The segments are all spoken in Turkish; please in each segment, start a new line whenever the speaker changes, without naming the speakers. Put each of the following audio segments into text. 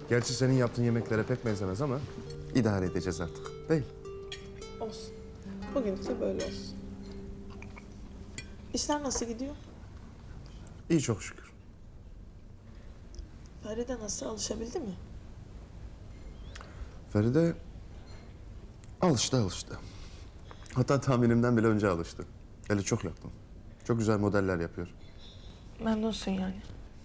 Gerçi senin yaptığın yemeklere pek benzemez ama idare edeceğiz artık. Değil.
Olsun. Bugün de böyle olsun. İşler nasıl gidiyor?
İyi çok şükür.
Feride nasıl, alışabildi mi?
Feride alıştı. Hatta tahminimden bile önce alıştı. Eli çok yatkın. Çok güzel modeller yapıyor.
Memnunsun yani.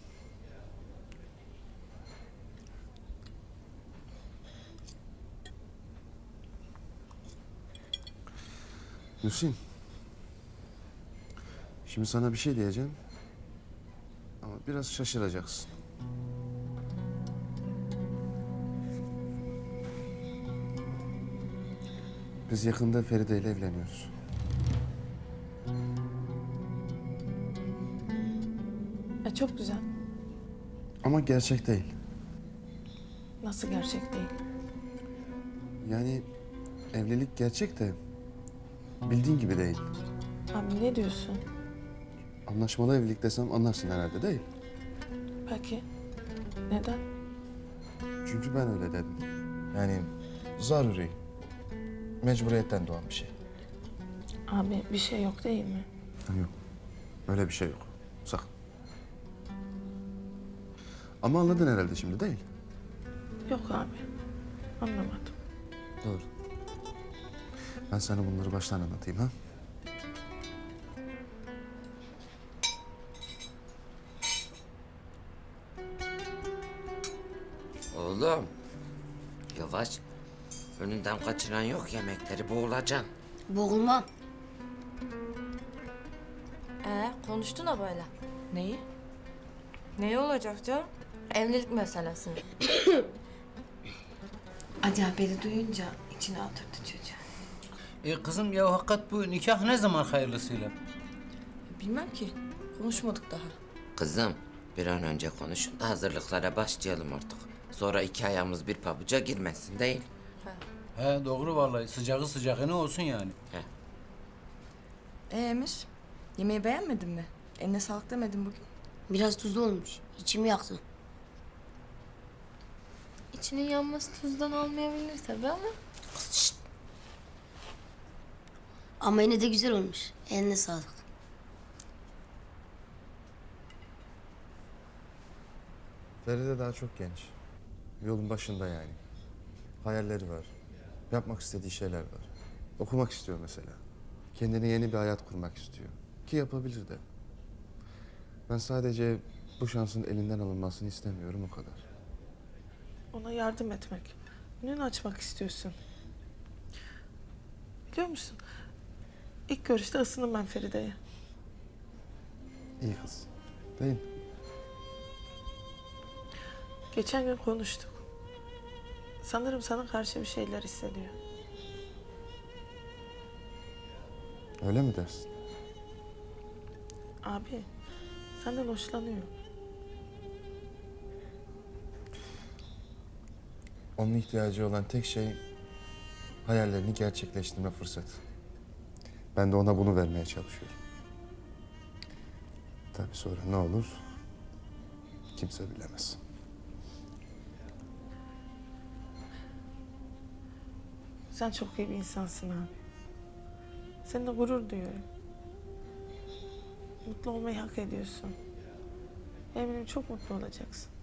Hüseyin. Şimdi sana bir şey diyeceğim. Ama biraz şaşıracaksın. Biz yakında Feride ile evleniyoruz.
Çok güzel.
Ama gerçek değil.
Nasıl gerçek değil?
Yani evlilik gerçek de bildiğin gibi değil.
Abi ne diyorsun?
Anlaşmalı evlilik desem anlarsın herhalde değil.
Peki. Neden?
Çünkü ben öyle dedim. Yani zaruri. Mecburiyetten doğan bir şey.
Abi bir şey yok değil mi?
Yok. Öyle bir şey yok. Sakın. Ama anladın herhalde şimdi değil.
Yok abi. Anlamadım.
Doğru. Ben sana bunları baştan anlatayım ha.
Oğlum, yavaş. Önünden kaçıran yok yemekleri, boğulacaksın.
Boğulmam.
Konuştun da böyle.
Neyi?
Neyi olacak canım? Evlilik meselesini.
Acı haberi duyunca içine oturdu çocuğun.
Kızım ya hakikat bu nikah ne zaman hayırlısıyla?
Bilmem ki. Konuşmadık daha.
Kızım, bir an önce konuşun da hazırlıklara başlayalım artık. Sonra iki ayağımız bir pabuca girmesin değil.
He doğru vallahi sıcağı sıcağına olsun yani.
Emir, yemeği beğenmedin mi? Eline sağlık demedin bugün.
Biraz tuzlu olmuş. İçimi yaktı.
İçinin yanması tuzdan olmayabilir tabii ama.
Ama yine de güzel olmuş. Eline sağlık.
Feride daha çok genç. Yolun başında yani. Hayalleri var. Yapmak istediği şeyler var. Okumak istiyor mesela. Kendine yeni bir hayat kurmak istiyor. Ki yapabilir de. Ben sadece bu şansın elinden alınmasını istemiyorum o kadar.
Ona yardım etmek. Önünü açmak istiyorsun. Biliyor musun? İlk görüşte ısındım ben Feride'ye.
İyi kız. Değil mi?
Geçen gün konuştuk. Sanırım sana karşı bir şeyler hissediyor.
Öyle mi dersin?
Abi, senden hoşlanıyor.
Onun ihtiyacı olan tek şey hayallerini gerçekleştirme fırsatı. Ben de ona bunu vermeye çalışıyorum. Tabii sonra ne olur kimse bilemez.
Sen çok iyi bir insansın abi. Seninle gurur duyuyorum. Mutlu olmayı hak ediyorsun. Eminim çok mutlu olacaksın.